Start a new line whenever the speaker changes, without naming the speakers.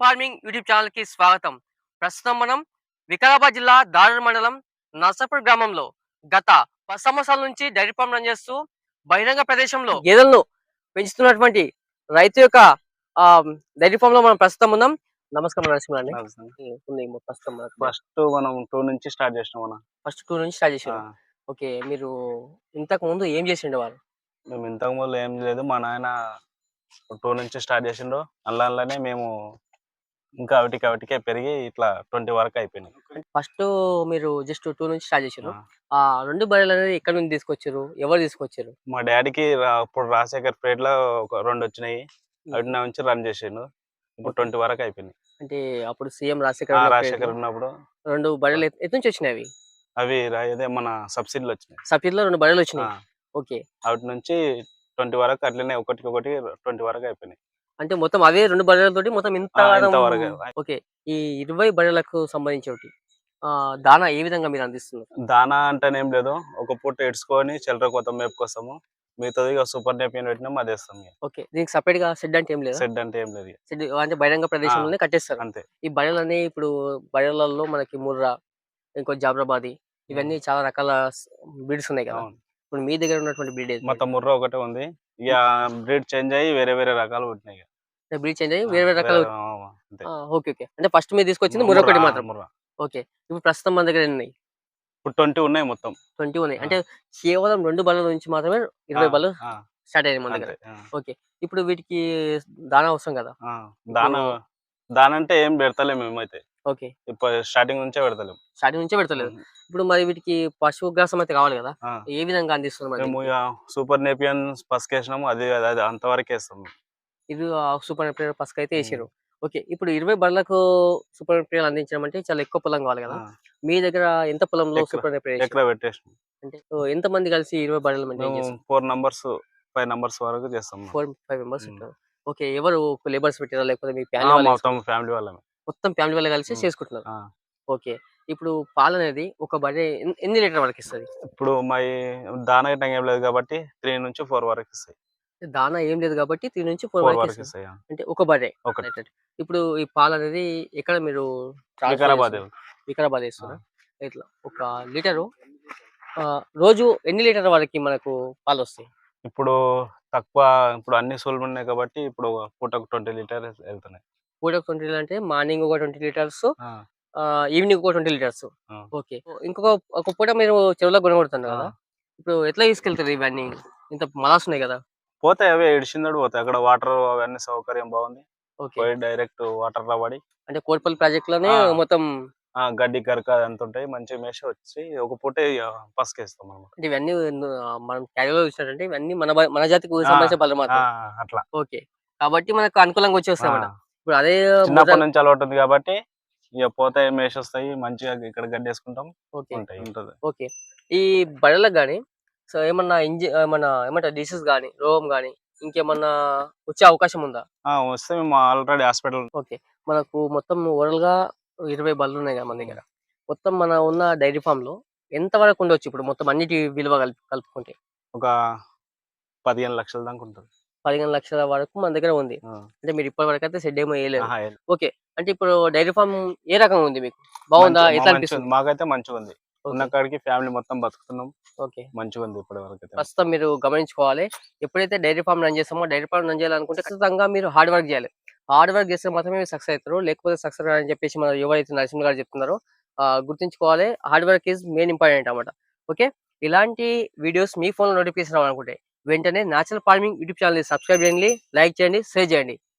Farming YouTube channel కి స్వాగతం. ప్రస్తుతం మనం వికారాబాద్ జిల్లా దారుర్ మండలం నర్సాపూర్ గ్రామంలో గత 10 సంవత్సరాల నుంచి డైరీ ఫార్మ్ రన్ చేస్తూ బహిరంగ ప్రదేశంలో గేదెలను పెంచుతున్నటువంటి రైతు యొక్క ఆ, డైరీ ఫామ్ లో మనం ప్రస్తుతం ఉన్నాం. నమస్కారం నరసింహ అండి. ఉంది ప్రస్తుతం
ఫస్ట్ మనం 2 నుంచి స్టార్ట్ చేసినాం మనం.
ఫస్ట్ 2 నుంచి స్టార్ట్ చేసారు.
ఆ,
ఓకే, మీరు ఇంతకు ముందు ఏం చేసిండే వారు?
మేము ఇంతకు ముందు ఏం లేదు, మా నాయన 2 నుంచి స్టార్ట్ చేసిండు. అందులోనే మేము ఇంకా అవిటికే పెరిగి ఇట్లా 20 వరకు అయిపోయినాయి.
ఫస్ట్ మీరు జస్ట్ 2 నుంచి స్టార్ట్ చేసారు.
ఆ,
ఆ 2 బర్రెలు అనేది ఎక్కడి నుంచి తీసుకొచ్చారు, ఎవరు తీసుకొచ్చారు?
మా డాడీకి అప్పుడు రాజశేఖర్ పేట్ లో ఒక 2 వచ్చినాయి, అవిటి నుంచి రన్ చేసిండు. ఇప్పుడు 20 వరకు అయిపోయినాయి.
అంటే అప్పుడు సీఎం రాజశేఖర్
రాజశేఖర్ ఉన్నప్పుడు
2 బర్రెలు ఎటు నుంచి వచ్చినాయి అవి?
అవి అదే మన సబ్సిడీలు వచ్చినాయి.
సబ్సిడీలో 2 బర్రెలు వచ్చినాయి. ఓకే,
అవిటి నుంచి 20 వరకు అట్లనే ఒకటి 20 వరకు అయిపోయినాయి.
అంటే మొత్తం అవే 2 బర్రెలతోటి మొత్తం ఇంత
ఇంతవరకు.
ఓకే, ఈ 20 బర్రెలకు సంబంధించి ఒకటి దానా ఏ విధంగా మీరు అందిస్తున్నారు?
దానా అంటేనేం లేదు, ఒక పూట ఇడ్చుకొని చిల్లర కొత్త మేపుకొస్తాము, మిగతాది సూపర్ నేపియన్ పెట్టినాం అది వేస్తాం.
ఓకే, దీనికి సపరేట్ గా షెడ్ అంటే ఏం లేదు?
షెడ్ అంటే ఏం లేదు,
షెడ్ అంటే బహిరంగ ప్రదేశంలోనే కట్టేస్తారు
అంతే.
ఈ బర్రెలన్నీ ఇప్పుడు బర్రెలలో మనకి ముర్రా, ఇంకో జాబ్రాబాది, ఇవన్నీ చాలా రకాల బ్రీడ్స్ ఉన్నాయి కదా. ఇప్పుడు మీ దగ్గర ఉన్నటువంటి బ్రీడ్
మొత్తం ముర్రా ఒకటే ఉంది, ఇక బ్రీడ్ చేంజ్ అయ్యి వేరే రకాలు పుట్టినాయి.
బ్రీడ్ చేంజ్ అయ్యి వేరే రకాల. ఓకే ఓకే, అంటే ఫస్ట్ మీరు తీసుకొచ్చింది ముర్రా ఒకటి మాత్రం. ఓకే, ఇప్పుడు ప్రస్తుతం మన దగ్గర ఎన్ని ఉన్నాయి?
ఇప్పుడు 20 ఉన్నాయి, మొత్తం
20 ఉన్నాయి. అంటే కేవలం 2 బర్రెల నుంచి మాత్రమే 20 బర్రెలు స్టార్ట్ అయ్యాయి మన దగ్గర. ఓకే, ఇప్పుడు వీటికి దానా అవసరం కదా?
దానా అంటే ఏం పెడతలేము మేమైతే.
ఓకే,
ఇప్పుడు స్టార్టింగ్ నుంచే పెడతలేదు.
ఇప్పుడు మరి వీటికి పశువు గ్రాసం అయితే కావాలి కదా, ఏ విధంగా అందిస్తున్నారు?
మేము సూపర్ నేపియన్ పసుపు వేసినాము, అది అంతవరకు వేస్తాము.
ఇది సూపర్ నేపియర్ పసుపు అయితే వేసారు. ఓకే, ఇప్పుడు 20 బర్రెలకు సూపర్ నేపియర్ అందించడం అంటే చాలా ఎక్కువ పొలం కావాలి కదా. మీ దగ్గర ఎంత పొలంలో సూపర్ నేపియర్
ఎక్కడ పెట్టేసాం?
అంటే ఎంత మంది కలిసి 20 బర్రెలు మెయింటైన్ చేస్తారు?
4 నంబర్స్ 5 నంబర్స్ వరకు చేస్తాం.
4-5 మెంబర్స్ ఉంటారు. ఓకే, ఎవరు లేబర్స్ పెట్టారా లేకపోతే మీ
మొత్తం ఫ్యామిలీ వాళ్ళమే?
మొత్తం ఫ్యామిలీ వాళ్ళే కలిసి చేసుకుంటున్నారు. ఓకే, ఇప్పుడు పాలు అనేది ఒక బర్రె ఎన్ని లీటర్ వరకు ఇస్తుంది?
ఇప్పుడు మా దానా గిట్ట ఏం లేదు కాబట్టి 3 నుంచి 4 వరకు ఇస్తాయి.
దానా ఏం లేదు కాబట్టి 3 నుంచి 4 వరకు ఇస్తాయి. అంటే ఒక బర్రె. ఇప్పుడు ఈ పాలు అనేది ఎక్కడ మీరు? వికారాబాద్ వేస్తున్నా. ఇట్లా ఒక లీటరు రోజు ఎన్ని లీటర్ వరకు మనకు పాలు వస్తాయి?
ఇప్పుడు తక్కువ, ఇప్పుడు అన్ని సోల్లు ఉన్నాయి కాబట్టి ఇప్పుడు పూటకు 20 లీటర్ వెళ్తున్నాయి.
పూటకు 20 లీటర్ అంటే మార్నింగ్ ఒక 20 లీటర్స్, ఈవినింగ్ ఒక 20 లీటర్స్. ఓకే, ఒక పూట మీరు చెరువులో కొనగొడుతున్నారు కదా, ఇప్పుడు ఎట్లా తీసుకెళ్తారు ఇవన్నీ? ఇంత మలాస్ ఉన్నాయి కదా.
పోతాయి, అవే ఇడిచిందడు పోతాయి. అక్కడ వాటర్ అవన్నీ సౌకర్యం బాగుంది. పోయి డైరెక్ట్ వాటర్ లో పడి,
అంటే కోట్పల్లి ప్రాజెక్ట్ లోనే మొత్తం
గడ్డి కరక అంత ఉంటాయి, మంచి మేష వచ్చి ఒక పూట పసుకేస్తాం మనం.
అంటే ఇవన్నీ మనం క్యారీలో చూసినట్టు ఇవన్నీ మన జాతికి సంబంధించిన పనులు మాత్రం.
అట్లా.
ఓకే, కాబట్టి మనకు అనుకూలంగా వచ్చేస్తాయి. ఇప్పుడు అదే
చిన్నప్పటి నుంచి అలవాటు ఉంది కాబట్టి ఇక పోతాయి, మేష వస్తాయి, మంచిగా ఇక్కడ గడ్డి వేసుకుంటాం.
ఓకే, ఈ బర్రెలకు కానీ సో ఏమన్నా ఏమంటారు డిసీజ్ కానీ రోగం కానీ ఇంకేమన్నా వచ్చే అవకాశం ఉందా?
వస్తే మేము ఆల్రెడీ హాస్పిటల్.
ఓకే, మనకు మొత్తం ఓవరాల్ గా 20 బర్రెలు ఉన్నాయి కదా మన దగ్గర. మొత్తం మన ఉన్న డైరీ ఫామ్ లో ఎంత వరకు ఉండొచ్చు ఇప్పుడు మొత్తం అన్నిటి విలువ కలుపుకుంటే?
ఒక 15 లక్షల దాకా ఉంటుంది.
15 లక్షల వరకు మన దగ్గర ఉంది. అంటే మీరు ఇప్పటి వరకు అయితే షెడ్ ఏమో వేయలేదు. ఓకే, అంటే ఇప్పుడు డైరీ ఫామ్ ఏ రకంగా ఉంది, మీకు బాగుందా? ఎట్లా అనిపిస్తుంది?
మాకైతే మంచిగా ఉంది, ఉన్న కాడికి ఫ్యామిలీ మొత్తం బతుకుతున్నాం. ఓకే, మంచిగా ఉంది ఇప్పటి వరకు.
ప్రస్తుతం మీరు గమనించుకోవాలి, ఎప్పుడైతే డైరీ ఫామ్ రన్ చేస్తామో డైరీ ఫామ్ రన్ చేయాలనుకుంటే ఖచ్చితంగా మీరు హార్డ్ వర్క్ చేయాలి. హార్డ్ వర్క్ చేస్తే మాత్రమే మీరు సక్సెస్ అవుతారు, లేకపోతే సక్సెస్ అని చెప్పేసి మన ఎవరైతే నరసింహ గారు చెప్తున్నారో గుర్తుంచుకోవాలి. Hard work is main important అన్నమాట. ఓకే, ఇలాంటి వీడియోస్ మీ ఫోన్లో నోటిఫికేషన్ రావాలనుకుంటే వెంటనే natural farming YouTube channel subscribe చేయండి, లైక్ చేయండి, షేర్ చేయండి.